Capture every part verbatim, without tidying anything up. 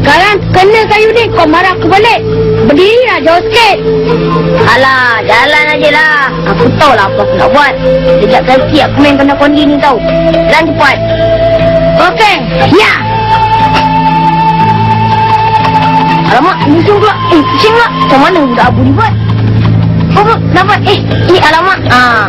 Sekarang kena kayu ni, kau marah aku balik. Berdirilah jauh sikit. Alah, jalan aje lah. Aku tahu lah apa aku nak buat. Sejak kaki aku main kena kondi ni tau. Jalan cepat. Okey, ya. Alamak, musuh pula. Eh, pusing pula. Macam mana budak Abu ni buat? Oh, dapat. Eh, ni alamak. Ah.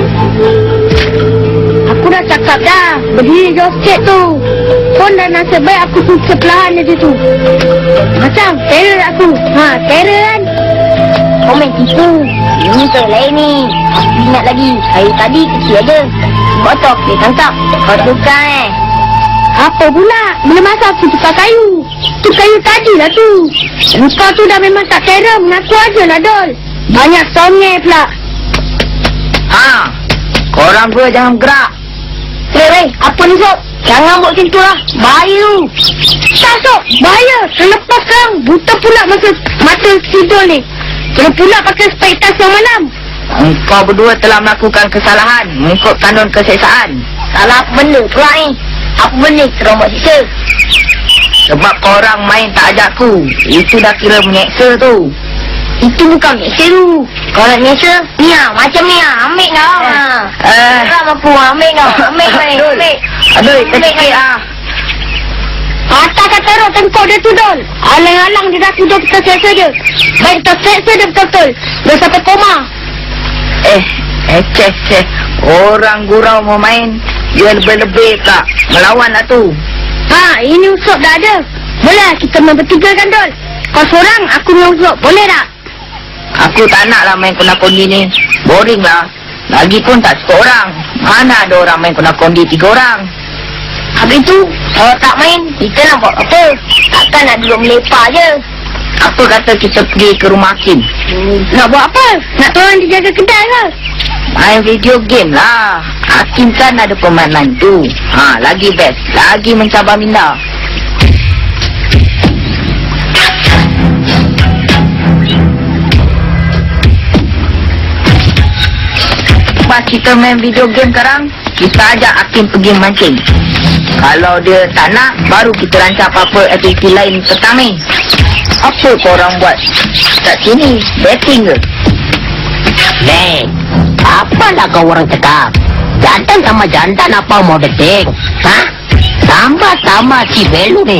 Aku dah cakap dah. Berdiri jauh sikit tu. Pun dah nasib baik aku tu sebelahan dia tu. Macam terror aku. Ha, terror kan? Kau main tipu. Ini tu lain ni. Aku ingat lagi. Hari tadi kecil aja. Sebab tu aku boleh tangkap. Kau tukar eh. Apa pula? Bila masa aku tukar kayu. Tu kayu tadi lah tu. Kau tu dah memang tak terror. Mengaku aja lah, Dol. Banyak songeh pula. Ha. Korang dua jangan gerak. Weh, weh. Apa ni, Sob? Jangan buat macam tu lah. Bahaya tu. Tak, Sob. Bahaya. Selepas sekarang, buta pula masa mata si Dol ni. Kena pula pakai spektas yang malam. Engkau berdua telah melakukan kesalahan mengikut kanun keseksaan. Salah apa benda pula ni? Apa benda terang buat siksa? Sebab korang main tak ajak aku. Itu dah kira menyeksa tu. Itu bukan menyeksa tu. Kau nak menyeksa? Ni lah, macam ni lah. Ambil kau. Eh. Ram aku, ambil kau. Ambil kau ni. Ambil. Aduh, tersikit lah. Atas kata roh tengkok dia tu, Dol. Alang-alang dia dah tuduh kita seksa dia. Baik kita seksa dia betul-betul. Dia sampai koma. Eh, eh, ceh, ceh. Orang gurau mau main, dia lebih-lebih tak. Melawan lah tu. Ha, ini usop dah ada. Boleh kita main bertiga kan, Dol? Kau seorang, aku dengan usop. Boleh tak? Aku tak nak lah main kena kondi ni. Boring lah. Lagipun tak cukup orang. Mana ada orang main kena kondi tiga orang. Habis tu, kalau tak main, kita nak buat apa? Takkan nak duduk melepak je. Apa kata kita pergi ke rumah Hakim? Hmm, nak buat apa? Nak tolong dia jaga kedai ke? Main video game lah. Hakim kan ada permainan tu. Ha, lagi best. Lagi mencabar minda. Pas kita main video game sekarang, kita ajak Hakim pergi mancing. Kalau dia tak nak, baru kita rancang apa-apa aktiviti lain petang ni. Apa korang buat kat sini? Betting ke? Lek, apalah kau orang cakap? Jantan sama jantan apa mau betting? Hah? Tambah-tambah si Belu ni.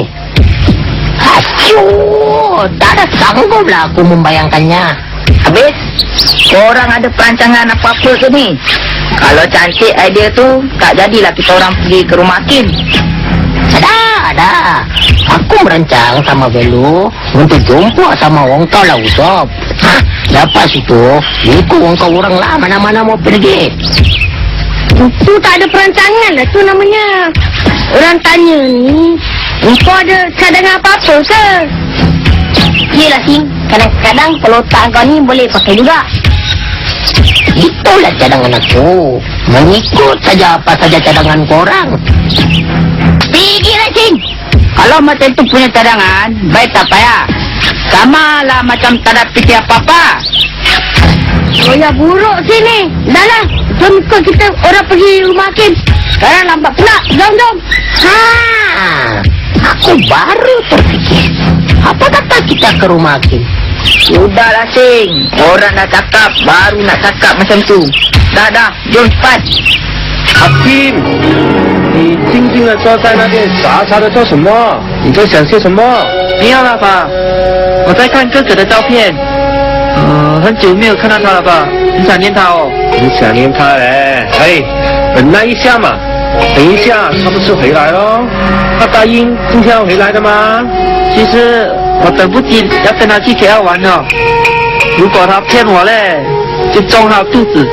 Asyuh, tak ada sanggup lah aku membayangkannya. Habis, korang ada perancangan apa-apa ke ni? Kalau cantik idea tu, tak jadilah kita orang pergi ke rumah Hakim. Ada, ada. Aku merancang sama Belu untuk jumpa sama orang kau lah Usop. Hah? Lepas itu, ikut orang kau orang lah mana-mana mau pergi. Itu tak ada perancangan lah tu namanya. Orang tanya ni, kau ada cadangan apa-apa ke? Yelah Sim, kadang-kadang kalau otak kau ni boleh pakai juga. Itulah cadangan aku. Mengikut saja apa saja cadangan korang. Pergilah Sim. Kalau macam tu punya cadangan, baik tak payah. Sama lah macam tak ada fikir apa-apa. Oh ya buruk sini. Dah lah, jom ikut kita orang pergi rumah Hakim. Sekarang lambat pula. Jom, jom. Ha, aku baru terfikir. Apa kata kita ke rumah Hakim? Sudahlah Sing. Orang dah cakap, baru nak cakap macam tu. Dah, dah. Jom cepat. Hakim，你静静的坐在那边傻傻的做什么？你在想些什么？ 没有了吧？我在看哥哥的照片，呃，很久没有看到他了吧？很想念他哦。 你想念他嘞？哎，忍耐一下嘛，等一下他不是回来咯？他答应今天要回来的吗？ 其实我等不及要跟他去 K L 玩了。如果他骗我嘞，就中他肚子。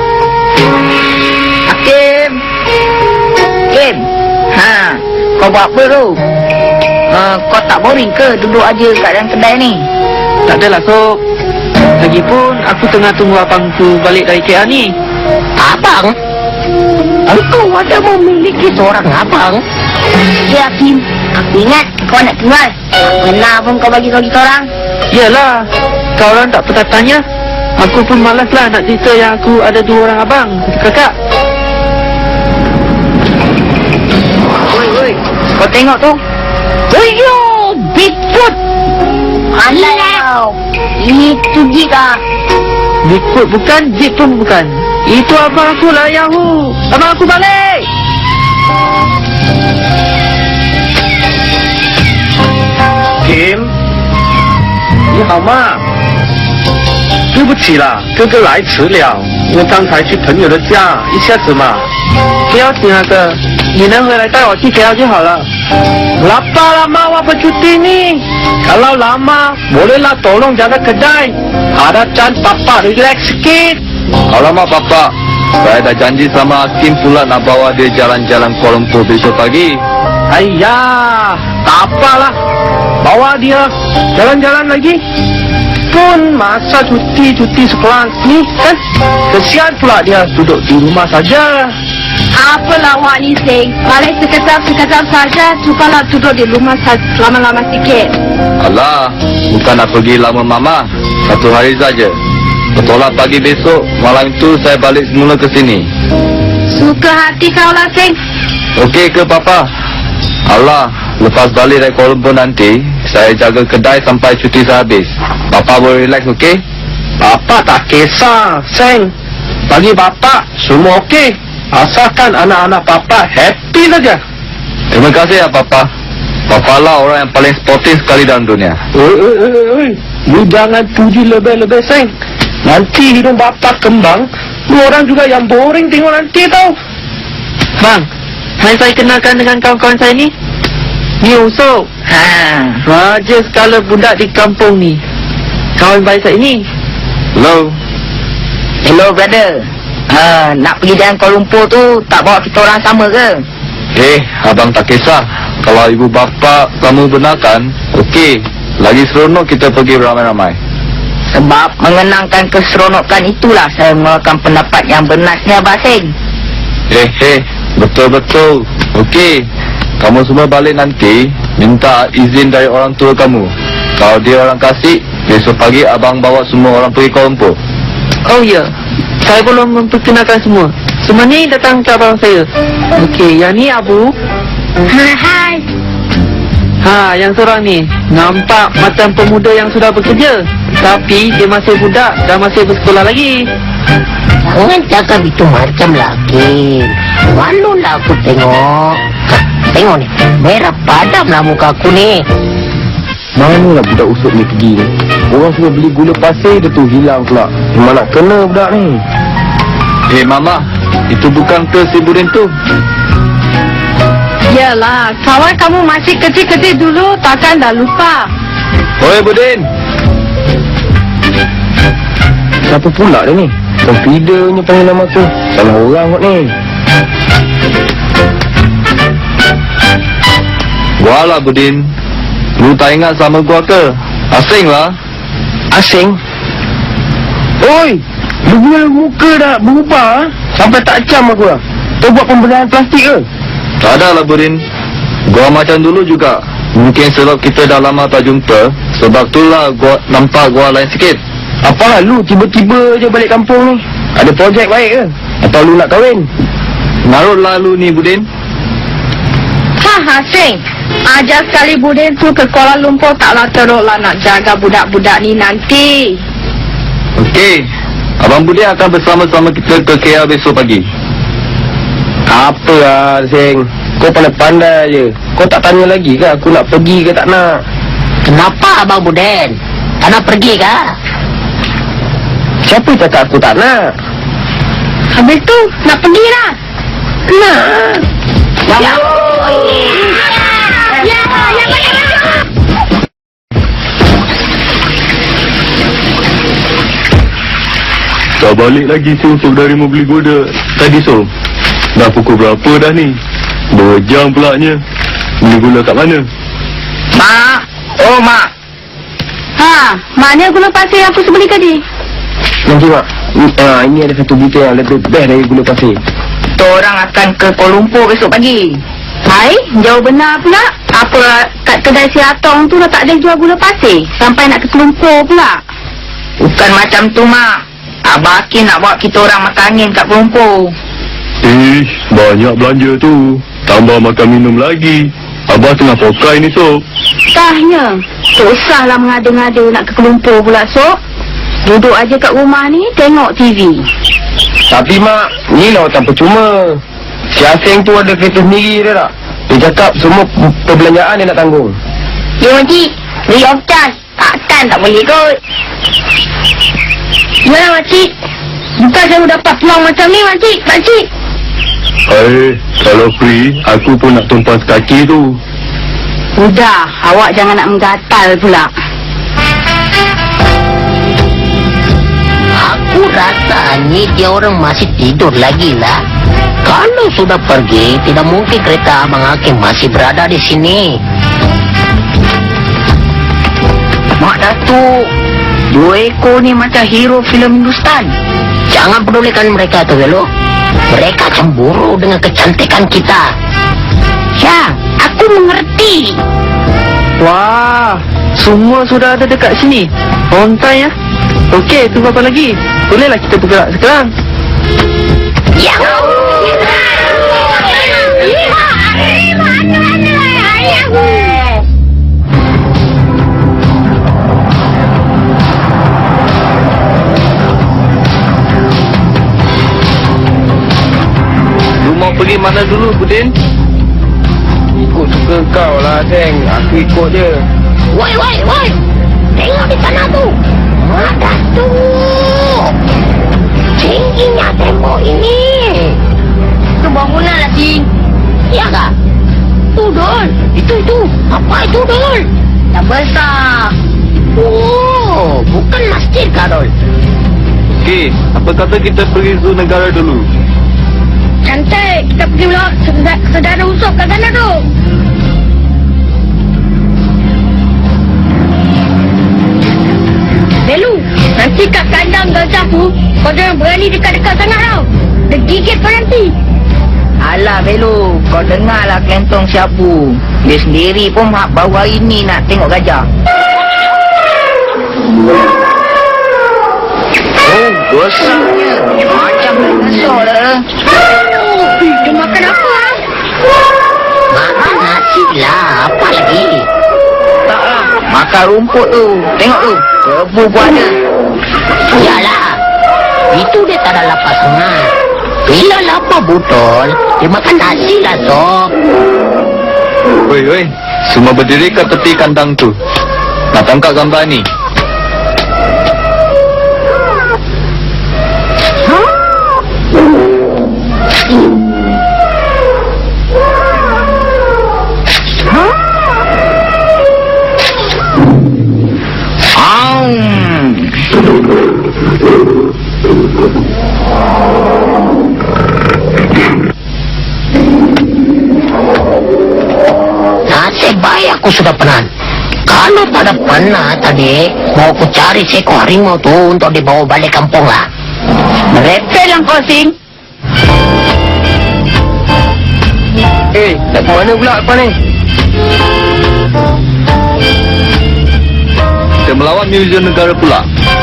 Hakim, Hakim, ha, kau buat apa tu? Uh, kau tak boring ke duduk aja kat dalam kedai ni? Tak adalah Sob. Lagipun aku tengah tunggu abang tu balik dari K L ni. Abang? Engkau ada memiliki seorang abang? Ya Hakim, aku ingat kau nak tinggal. Pernah pun kau bagi tahu kita orang. Yalah, kau orang tak pernah tanya. Aku pun malas lah nak cerita yang aku ada dua orang abang, satu kakak. Woi, woi, kau tengok tu. Ayo, Bigfoot. Alah, itu jika. Bigfoot bukan, Jeep pun bukan. Itu abang aku lah, Yahoo. Abang aku balik. Kim， 你好吗？对不起啦，哥哥来迟了，我刚才去朋友的家，一下子嘛。 不要紧啊哥，你能回来带我去 K L 就好了。 Lapar lama apa cuti ni? Kalau lama, bolehlah tolong jaga kedai. Ada can papa relax sikit. Alamak Papa, saya dah janji sama Hakim pula nak bawa dia jalan-jalan Kuala Lumpur besok pagi. Ayah, tak apalah. Bawa dia jalan-jalan lagi. Pun masa cuti-cuti sekolah ni kan? Kesian pula dia duduk di rumah saja. Apalah awak ni, Sing. Balik sekejap-sekejap saja. Cubalah duduk di rumah lama-lama sikit. Alah, bukan nak pergi lama Mama. Satu hari saja. Betullah pagi besok, malam itu saya balik semula ke sini. Suka hati kau lah, Sing. Okey ke Papa? Alah, lepas balik dari Kuala Lumpur nanti, saya jaga kedai sampai cuti saya habis. Papa boleh relax, okey? Papa tak kisah, Seng. Bagi Bapak, semua okey. Asalkan anak-anak Papa happy saja. Terima kasih ya Papa. Papa lah orang yang paling sportif sekali dalam dunia. Oi, oi, oi, oi. Lu jangan puji lebih-lebih, Seng. Nanti hidung Bapak kembang, lu orang juga yang boring tengok nanti tau. Bang, mari saya kenalkan dengan kawan-kawan saya ni. Ni Usop. Ha. Raja skala budak di kampung ni. Kawan baik saya ni. Hello. Hello brother. Ha, nak pergi jalan Kuala Lumpur tu tak bawa kita orang sama ke? Eh, abang tak kisah. Kalau ibu bapa kamu benarkan, okey. Lagi seronok kita pergi beramai-ramai. Sebab mengenangkan keseronokan itulah saya mengeluarkan pendapat yang benar ni Abang Seng. Eh, eh, betul-betul. Okey. Kamu semua balik nanti, minta izin dari orang tua kamu. Kalau dia orang kasih, besok pagi abang bawa semua orang pergi Kuala Lumpur. Oh ya, saya belum memperkenalkan semua. Semua ni datang ke abang saya. Okey, yang ni Abu. Hai, hai. Ha, yang seorang ni nampak macam pemuda yang sudah bekerja, tapi dia masih budak dan masih bersekolah lagi. Jangan cakap itu macam lagi. Malu lah aku tengok. Ha, tengok ni, merah padam lah muka aku ni. Manalah budak Usop ni pergi ni? Orang suruh beli gula pasir, dia tu hilang pula. Memang nak kena budak ni. Eh, Mama, itu bukan ke si Budin tu? Yalah, kawan kamu masih kecil-kecil dulu, takkan dah lupa. Oi, Budin. Siapa pula dia ni? Confidentnya panggil nama tu. Salah orang kot ni. Gua lah, Budin. Lu tak ingat sama gua ke? Asing lah. Asing? Oi! Lu punya muka dah berubah ha? Sampai tak cam aku lah. Kau buat pemberian plastik ke? Tak ada lah, Budin. Gua macam dulu juga. Mungkin sebab kita dah lama tak jumpa, sebab itulah gua nampak gua lain sikit. Apalah lu tiba-tiba je balik kampung ni? Ada projek baik ke? Atau lu nak kahwin? Narutlah lu ni, Budin. Ha, Sing. Ajar sekali Budin tu ke Kuala Lumpur, taklah teruklah nak jaga budak-budak ni nanti. Okey. Abang Budin akan bersama-sama kita ke K L besok pagi. Apa lah, Seng? Kau pandai-pandai je. Kau tak tanya lagi ke aku nak pergi ke tak nak? Kenapa Abang Buden? Tak nak pergi ke? Siapa cakap aku tak nak? Habis tu, nak pergi lah. Nak. Ya, Ya, ya, ya, ya. Tak balik lagi si Usop dari mau beli gula. Tadi Som. Dah pukul berapa dah ni? Dua jam pulaknya. Beli gula kat mana? Mak. Oh mak. Ha, mana gula pasir aku sebeli tadi? Nanti mak, ni, ah, ini ada satu berita yang lebih best dari gula pasir. Kita orang akan ke Kuala Lumpur besok pagi. Hai, jauh benar pula. Apa kat kedai si Atong tu dah tak ada jual gula pasir? Sampai nak ke Lumpur pula. Bukan macam tu mak. Abang Hakim nak bawa kita orang makan angin kat Kuala Lumpur. Ish, banyak belanja tu. Tambah makan minum lagi. Abah tengah pokai ni, Sob. Sahnya, susahlah mengada-ngada nak ke Kelumpur pula, Sob. Duduk aja kat rumah ni, tengok T V. Tapi mak, ni lah tak percuma. Si Aseng tu ada kereta sendiri dia tak? Dia cakap semua perbelanjaan dia nak tanggung. Ya, Makcik. Free of charge. Takkan tak boleh kot. Yalah, Makcik. Bukan saya dapat peluang macam ni, Makcik. Makcik. Eh, kalau free, aku pun nak tumpah sekaki tu. Udah, awak jangan nak menggatal pula. Aku rasa ni dia orang masih tidur lagi lah. Kalau sudah pergi, tidak mungkin kereta Abang Hakim masih berada di sini. Mak Datuk, dua ekor ni macam hero filem Hindustan. Jangan pedulikan mereka tu, Velo. Mereka cemburu dengan kecantikan kita. Ya, aku mengerti. Wah, semua sudah ada dekat sini. On time ya. Okey, tunggu apa lagi? Bolehlah kita bergerak sekarang. Ya. Lu mau pergi mana dulu, Budin? Ikut suka kau lah, Seng. Aku ikut je. Woi, woi, woi. Tengok di sana tu. Ada tu. Tingginya tembok ini. Itu bangunan lah, Cing. Ya kah? Tu, Dol. Itu, itu. Apa itu, Dol? Yang besar. Oh, bukan masjid kah, Dol? Okey, apa kata kita pergi zoo negara dulu? Cantik, kita pergi pula sedara, sedara usop kat sana tu. Belu, nanti kat kandang gajah tu, kau jangan berani dekat-dekat sangat tau. Dia gigit kau nanti. Alah, Belu, kau dengarlah kentong siapu. Dia sendiri pun baru hari ni nak tengok gajah. Oh, besarnya. Macam besar dah. Dia makan apa? Makan nasi lah. Apa lagi? Tak lah, makan rumput tu. Tengok tu, kebu pun ada. Yalah. Itu dia tak ada lapar sangat. Bila lapar betul, dia makan nasi lah, Sob. Oi, oi, semua berdiri kat tepi kandang tu. Nak tangkap gambar ni. Nasib baik aku sudah penat. Kalau tak ada penat tadi, mau aku cari seekor harimau tu untuk dibawa balik kampung lah. Merepel lah kau, Sing. Eh, nak ke mana pula kau ni? Kita melawan muzium negara pula.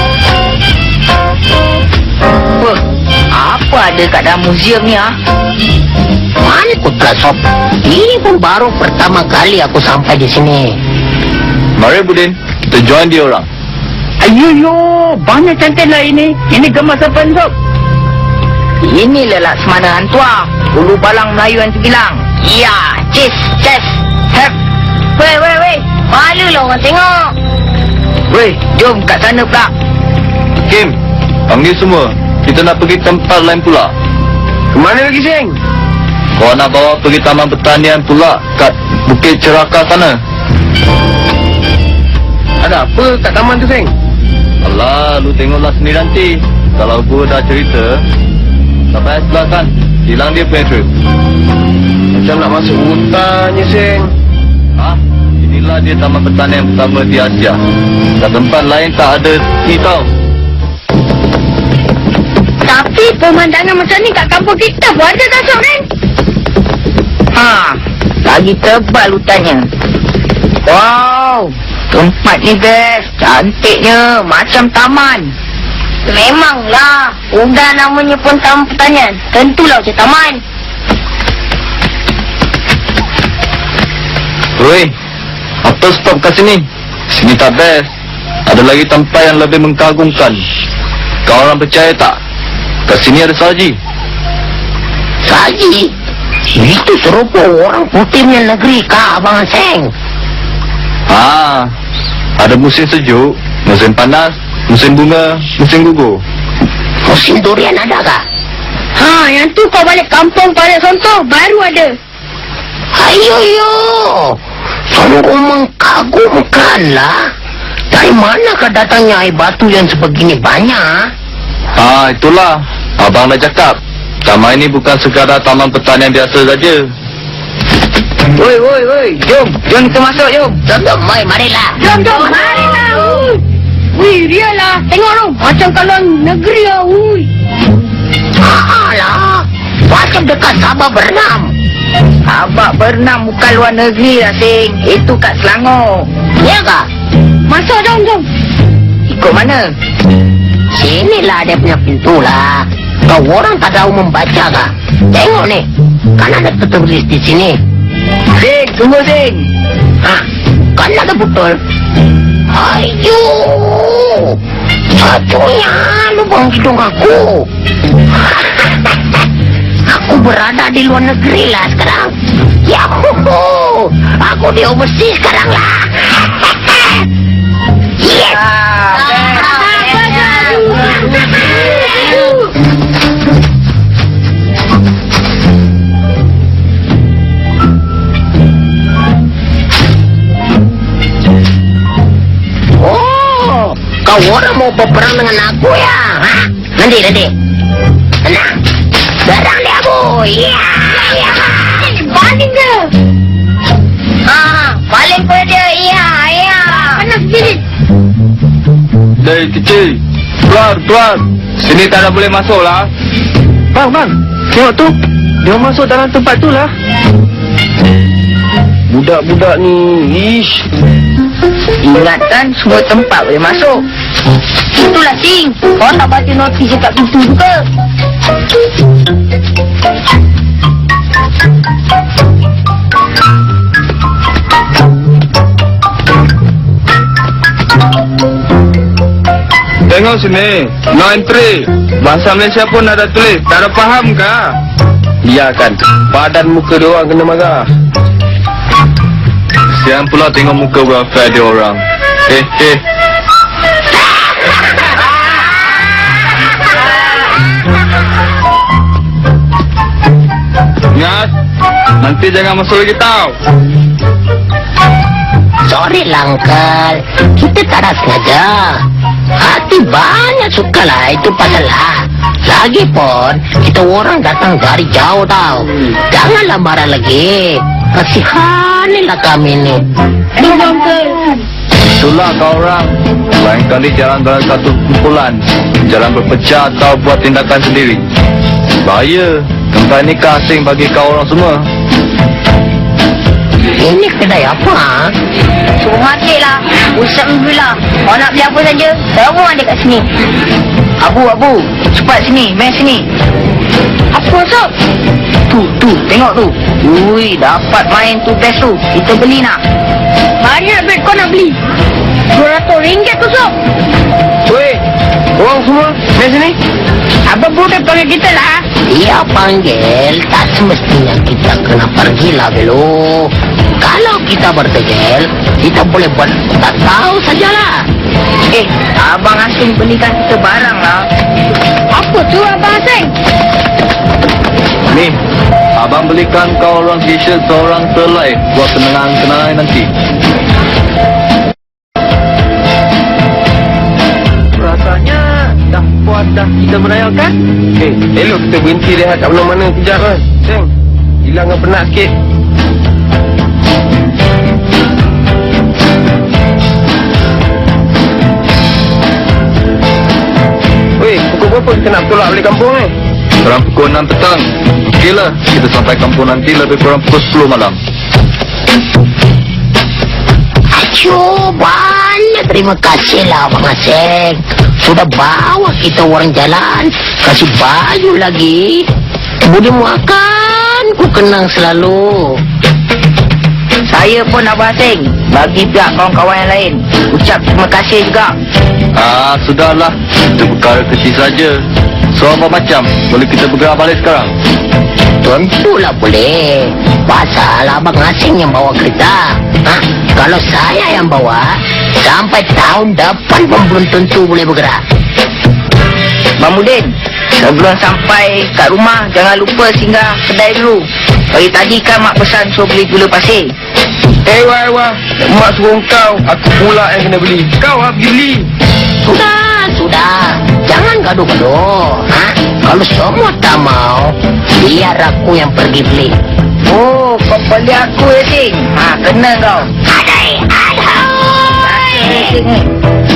Apa? Apa ada kat dalam muzium ni, ah? Mana Putra Sob? Ini pun baru pertama kali aku sampai di sini. Mari, Budin, kita join dia orang. Ayoyo, banyak cantik lah ini. Ini gemas apa ni, Sob? Ini lelak semana hantua. Ulu balang Melayu yang terbilang. Ya, cis, ces, hep. Weh, weh, weh. Malu lah orang tengok. Weh, jom kat sana pula. Kim, panggil semua. Kita nak pergi tempat lain pula. Kemana lagi, Seng? Kau nak bawa pergi taman pertanian pula kat Bukit Ceraka sana. Ada apa kat taman tu, Seng? Alah, lu tengoklah sendiri nanti. Kalau gua dah cerita, sampai sebelah kan, hilang dia punya trip. Macam nak masuk hutannya, Seng. Ha? Inilah dia taman pertanian pertama di Asia. Kat tempat lain tak ada ni tau. Tapi pemandangan macam ni kat kampung kita pun ada tak, Sob, kan? Ha, lagi tebal hutannya. Wow, tempat ni best. Cantiknya, macam taman. Memanglah, udah namanya pun taman pertanian. Tentulah macam taman. Woi, apa stop kat sini? Sini tak best. Ada lagi tempat yang lebih mengagumkan. Kau orang percaya tak? Kat sini ada saji. Saji? Itu serupa orang putih punya negeri kah, Abang Seng? Ah, ada musim sejuk, musim panas, musim bunga, musim gugur. Musim durian ada kah? Ha, yang tu kau balik kampung pada contoh baru ada. Ayo, yo. Sungguh mengagumkanlah. Dari manakah datangnya air batu yang sebegini banyak? Ah, itulah. Abang dah cakap. Taman ini bukan sekadar taman pertanian biasa saja. Woi, woi, woi. Jom. Jom kita masuk, jom. Jom, jom, mari, marilah. Jom, jom, marilah. Wih, dia lah. Tengok tu. Macam kalau negeri lah. Wih. Alah, macam dekat Sabah berenam. Abang berenam bukan luar negeri lah, Sing. Itu kat Selangor. Ya kah? Masuk, jom, jom. Ikut mana? Sinilah dia punya pintu lah. Kau orang tak tahu membaca kah? Tengok ni. Kan ada tertulis di sini. Sing, tunggu, Sing. Hah? Kan ada betul. Ayo. Satunya lubang hidung aku. Aku berada di luar negeri lah sekarang. Yahuhu. Aku di overseas sekarang lah. Yes. Oh, kau orang mau berperang dengan aku ya? Hah? Nanti, nanti. Tenang. Serang dia aku. Ya, ya. Baling ke? Ah, balik pada dia. Iya, iya. Panas bilik. Dari kecil. Keluar, keluar. Sini tak ada boleh masuk lah. Bang, bang. Tengok tu. Dia masuk dalam tempat tu lah. Budak-budak ni, ish. Ingatkan semua tempat boleh masuk. Itulah, Sing. Kau tak baca notis dekat pintu juga. Tengok sini. No entry. Bahasa Malaysia pun ada tulis. Tak ada faham kah? Ya kan. Badan muka dia orang kena marah. Siang pula tengok muka welfare dia orang. Eh, eh. Ingat, nanti jangan masuk lagi tau. Sorry lah, Uncle. Kita tak ada sengaja. Hati banyak suka lah itu pasal lah. Lagipun, kita orang datang dari jauh tau. Janganlah marah lagi. Kasihanilah kami ni. Aduh, Uncle. Itulah kau orang. Lain kali jalan dalam satu kumpulan. Jalan berpecah atau buat tindakan sendiri. Bahaya. Tempat ini kasing bagi kau orang semua. Ini kedai apa? Suruh mati lah. Usap Alhamdulillah. Kau nak beli apa saja, semua ada kat sini. Abu, Abu. Cepat sini, main sini. Apa, Sob? Tu, tu, tengok tu. Ui, dapat main tu best tu. Kita beli nak. Banyak duit kau nak beli. dua ratus ringgit tu, Sob. Weh, orang semua, main sini. Abang budak panggil kita lah. Dia panggil, tak semestinya kita kena pergilah Belu. Kalau kita bertegel, kita boleh buat tak tahu sajalah. Eh, Abang Asing belikan kita barang lah. Apa tu, Abang Asing? Ni, abang belikan kau orang t-shirt seorang selai buat kenangan-kenangan nanti. Rasanya dah puas dah kita merayakan. Eh, elok kita berhenti rehat kat mana-mana kejap kan. Seng, hilangkan penat sikit. Weh, pukul berapa kita nak tolak balik kampung ni? Kurang pukul enam petang. Okeylah, kita sampai kampung nanti lebih kurang pukul sepuluh malam. Acuh, banyak terima kasih lah Abang Aseng. Sudah bawa kita orang jalan. Kasih baju lagi. Budi makan, ku kenang selalu. Saya pun Abang Seng. Bagi pihak kawan-kawan yang lain, ucap terima kasih juga. Ah, sudahlah. Itu perkara kecil saja. So, apa macam? Boleh kita bergerak balik sekarang? Tentulah boleh. Pasal abang asing yang bawa kereta. Ha? Kalau saya yang bawa, sampai tahun depan pun belum tentu boleh bergerak. Bang Mudin, sebelum sampai kat rumah, jangan lupa singgah kedai dulu. Pagi tadi kan mak pesan suruh beli gula pasir. Eh, wah, wah. Mak suruh kau. Aku pula yang kena beli. Kau lah pergi beli. Sudah, sudah. Jangan gaduh-gaduh. Ha? Kalau semua tak mau, biar aku yang pergi beli. Oh, kau beli aku ya, Sing? Ha, kena kau. Adai, adai. Sing ni.